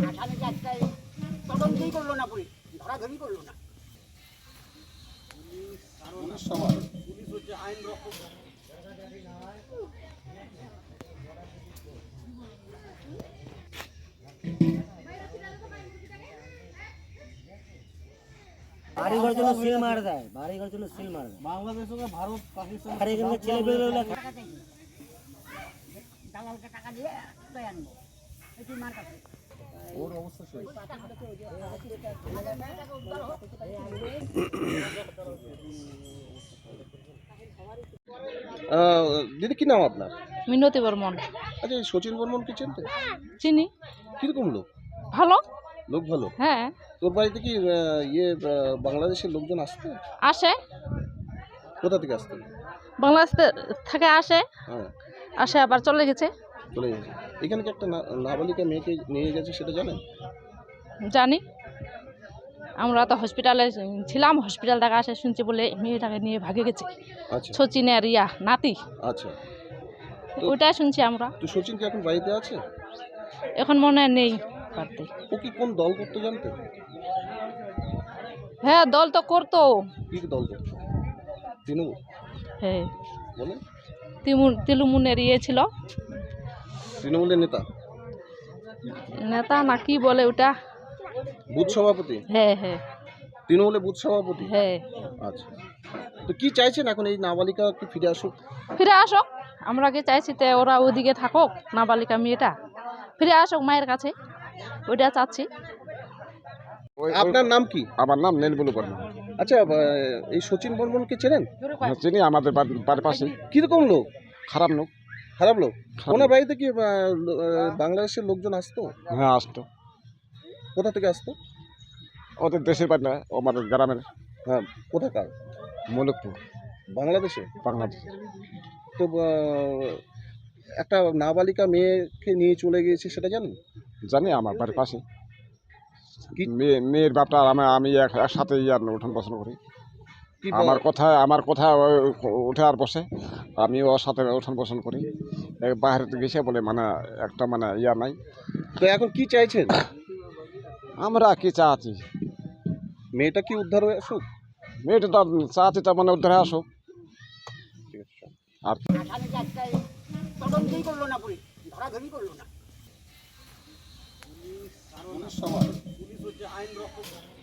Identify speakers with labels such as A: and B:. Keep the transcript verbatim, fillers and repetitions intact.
A: আসামিকে একটা তদন্তই করলো না, পুলিশ ধরাধরি করলো না।
B: পুলিশ সবার পুলিশ হচ্ছে আইন রক্ষক।
C: বাড়ি ঘর জন্য সিল মার দেয়, বাড়ি ঘর জন্য সিল মার দেয়।
B: বাংলাদেশ সঙ্গে ভারত পাকিস্তান
C: আর এখানে ছেলে পেলে
A: দালালকে টাকা দিয়ে লয়ে আনবো, এটি মার কাছে।
B: ওর অবস্থা সেই। দিদি কি নাম আপনার?
D: মিনতি বর্মন।
B: আচ্ছা, এই সচিন বর্মন কি চিনতে?
D: চিনি।
B: কিরকম লোক?
D: ভালো।
B: লোক ভালো?
D: হ্যাঁ।
B: তোর বাড়িতে কি আহ, ইয়ে আহ, বাংলাদেশের লোকজন আসতো?
D: আসে।
B: কোথা থেকে আসতো?
D: বাংলাদেশ থেকে আসে,
B: হ্যাঁ,
D: আসে আবার চলে গেছে।
B: চলে গেছে। এখানে কি একটা না- নাবালিকা মেয়েকে নিয়ে গেছে, সেটা জানেন?
D: জানি, আমরা তো হসপিটালে ছিলাম, হসপিটাল থেকে আসে শুনছি বলে মেয়েটাকে নিয়ে ভাগে গেছে।
B: আচ্ছা
D: সচিনের ইয়া নাতি,
B: আচ্ছা।
D: ওইটাই শুনছি আমরা।
B: তো সচিন কি এখন বাড়িতে আছে?
D: এখন মনে হয় নেই বাড়িতে।
B: ও কি কোন দল করতে জানতো?
D: হ্যাঁ, দল তো করতো।
B: কি দল করতো? তৃণমূল?
D: হ্যাঁ,
B: বলে
D: তিমুর তিলুমুনের ইয়ে ছিল,
B: তৃণমূলের নেতা,
D: নেতা না কি বলে ওটা।
B: বুথ সভাপতি?
D: হ্যাঁ হ্যাঁ
B: তৃণমূলের বুথ সভাপতি?
D: হ্যাঁ।
B: আচ্ছা। তো কি চাইছেন এখন, এই নাবালিকা কি ফিরে আসুক?
D: ফিরে আসুক, আমরা কি চাইছি তে ওরা ওইদিকে থাকুক, নাবালিকা মেয়েটা ফিরে আসুক মায়ের কাছে, ওইটা চাচ্ছি।
B: আপনার নাম কি?
E: আমার নাম নীলবুলু বর্মা।
B: আচ্ছা, আহ, এই সচিন বর্মনকে চেনেন?
E: হ্যাঁ, চিনি, আমাদের বাড়ি- বাড়ির পাশে।
B: কিরকম লোক?
E: খারাপ লোক।
B: খারাপ লোক?
E: খারাপ
B: ওনার
E: লোক।
B: বাড়িতে কি আহ, লো- আহ, বাংলাদেশের লোকজন আসতো?
E: হ্যাঁ, আসতো।
B: কোথা থেকে আসতো?
E: ওদের দেশের বাড়ি না, আমাদের গ্রামের।
B: হ্যাঁ, কোথাকার?
E: মলিকপুর,
B: বাংলাদেশে?
E: বাংলাদেশ।
B: তো আহ, একটা নাবালিকা মেয়েকে নিয়ে চলে গিয়েছে, সেটা জানেন?
E: জানি, আমার বাড়ির পাশে।
B: কি?
E: মেয়ে মেয়ের বাপটা আমি আমি এক- একসাথে ইয়ার উঠান বসন করি।
B: কি
E: আমার
B: বা-
E: কথা আমার কথা উঠে আর বসে, আমি ওর সাথে উঠান বসন করি। বাইরে গেছে বলে মানে একটা মানে ইয়া নাই।
B: তো এখন কি চাইছেন?
E: আমরা কি চাচ্ছি,
B: মেয়েটা কি উদ্ধার হয়ে আসুক?
E: মেয়েটা তো চাচ্ছি তার মানে উদ্ধারে আসুক। আর
A: আসামিকে একটা তদন্তই করলো না, পুলিশ ধরাধরি করলো না।
B: পুলিশ সবার পুলিশ হচ্ছে আইন রক্ষক।